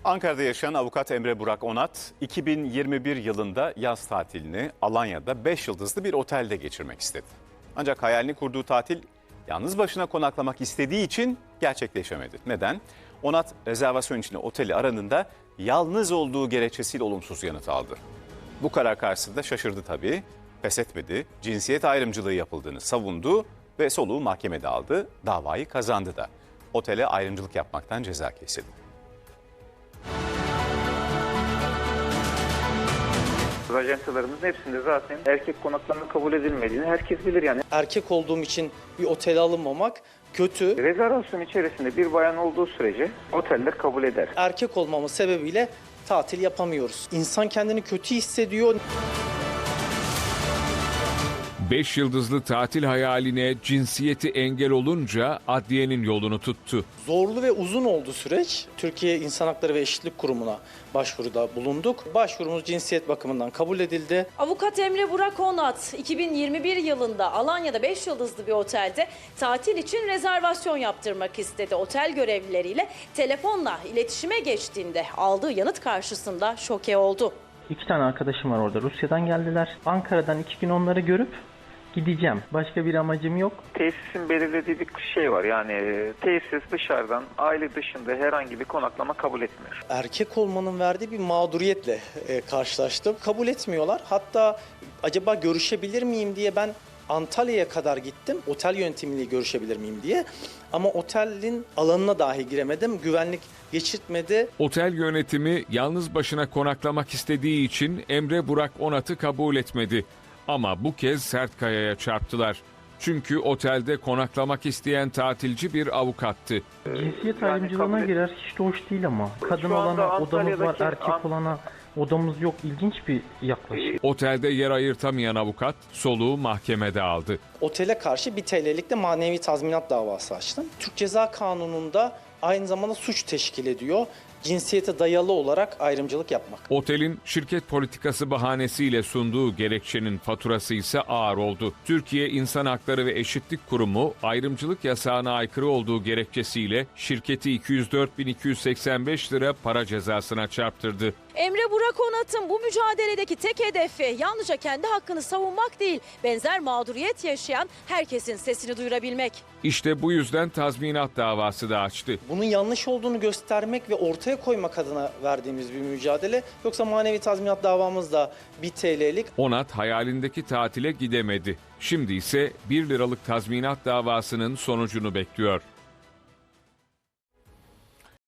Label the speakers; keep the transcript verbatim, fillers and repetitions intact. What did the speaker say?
Speaker 1: Ankara'da yaşayan avukat Emre Burak Onat, iki bin yirmi bir yılında yaz tatilini Alanya'da beş yıldızlı bir otelde geçirmek istedi. Ancak hayalini kurduğu tatil yalnız başına konaklamak istediği için gerçekleşemedi. Neden? Onat rezervasyon için oteli aradığında yalnız olduğu gerekçesiyle olumsuz yanıt aldı. Bu karar karşısında şaşırdı tabii, pes etmedi, cinsiyet ayrımcılığı yapıldığını savundu ve soluğu mahkemede aldı, davayı kazandı da. Otele ayrımcılık yapmaktan ceza kesildi.
Speaker 2: Ajantalarımızın hepsinde zaten erkek konaklama kabul edilmediğini herkes bilir yani.
Speaker 3: Erkek olduğum için bir otele alınmamak kötü.
Speaker 2: Rezervasyon içerisinde bir bayan olduğu sürece oteller kabul eder.
Speaker 3: Erkek olmamız sebebiyle tatil yapamıyoruz. İnsan kendini kötü hissediyor.
Speaker 4: Beş yıldızlı tatil hayaline cinsiyeti engel olunca adliyenin yolunu tuttu.
Speaker 3: Zorlu ve uzun oldu süreç. Türkiye İnsan Hakları ve Eşitlik Kurumu'na başvuruda bulunduk. Başvurumuz cinsiyet bakımından kabul edildi.
Speaker 5: Avukat Emre Burak Onat iki bin yirmi bir yılında Alanya'da beş yıldızlı bir otelde tatil için rezervasyon yaptırmak istedi. Otel görevlileriyle telefonla iletişime geçtiğinde aldığı yanıt karşısında şoke oldu.
Speaker 6: İki tane arkadaşım var orada. Rusya'dan geldiler. Ankara'dan iki gün onları görüp gideceğim. Başka bir amacım yok.
Speaker 2: Tesisin belirlediği bir şey var. Yani tesis dışarıdan, aile dışında herhangi bir konaklama kabul etmiyor.
Speaker 3: Erkek olmanın verdiği bir mağduriyetle e, karşılaştım. Kabul etmiyorlar. Hatta acaba görüşebilir miyim diye ben Antalya'ya kadar gittim. Otel yönetimiyle görüşebilir miyim diye. Ama otelin alanına dahi giremedim. Güvenlik geçirtmedi.
Speaker 4: Otel yönetimi yalnız başına konaklamak istediği için Emre Burak Onat'ı kabul etmedi. Ama bu kez sert kayaya çarptılar. Çünkü otelde konaklamak isteyen tatilci bir avukattı.
Speaker 6: Cinsiyet
Speaker 2: Yani
Speaker 6: ayrımcılığına
Speaker 2: kabul-
Speaker 6: girer. Hiç de hoş değil ama. Kadın
Speaker 2: Şu anda
Speaker 6: olana odamız var,
Speaker 2: Antalya'daki
Speaker 6: erkek
Speaker 2: An-
Speaker 6: olana odamız yok. İlginç bir yaklaşım.
Speaker 4: Otelde yer ayırtamayan avukat soluğu mahkemede aldı.
Speaker 3: Otele karşı bir T L'lik de manevi tazminat davası açtım. Türk Ceza Kanunu'nda aynı zamanda suç teşkil ediyor. Cinsiyete dayalı olarak ayrımcılık yapmak.
Speaker 4: Otelin şirket politikası bahanesiyle sunduğu gerekçenin faturası ise ağır oldu. Türkiye İnsan Hakları ve Eşitlik Kurumu ayrımcılık yasağına aykırı olduğu gerekçesiyle şirketi iki yüz dört bin iki yüz seksen beş lira para cezasına çarptırdı.
Speaker 5: Emre Burak Onat'ın bu mücadeledeki tek hedefi yalnızca kendi hakkını savunmak değil, benzer mağduriyet yaşayan herkesin sesini duyurabilmek.
Speaker 4: İşte bu yüzden tazminat davası da açtı.
Speaker 3: Bunun yanlış olduğunu göstermek ve ortaya koymak adına verdiğimiz bir mücadele. Yoksa manevi tazminat davamız da bir T L'lik.
Speaker 4: Onat hayalindeki tatile gidemedi. Şimdi ise bir liralık tazminat davasının sonucunu bekliyor.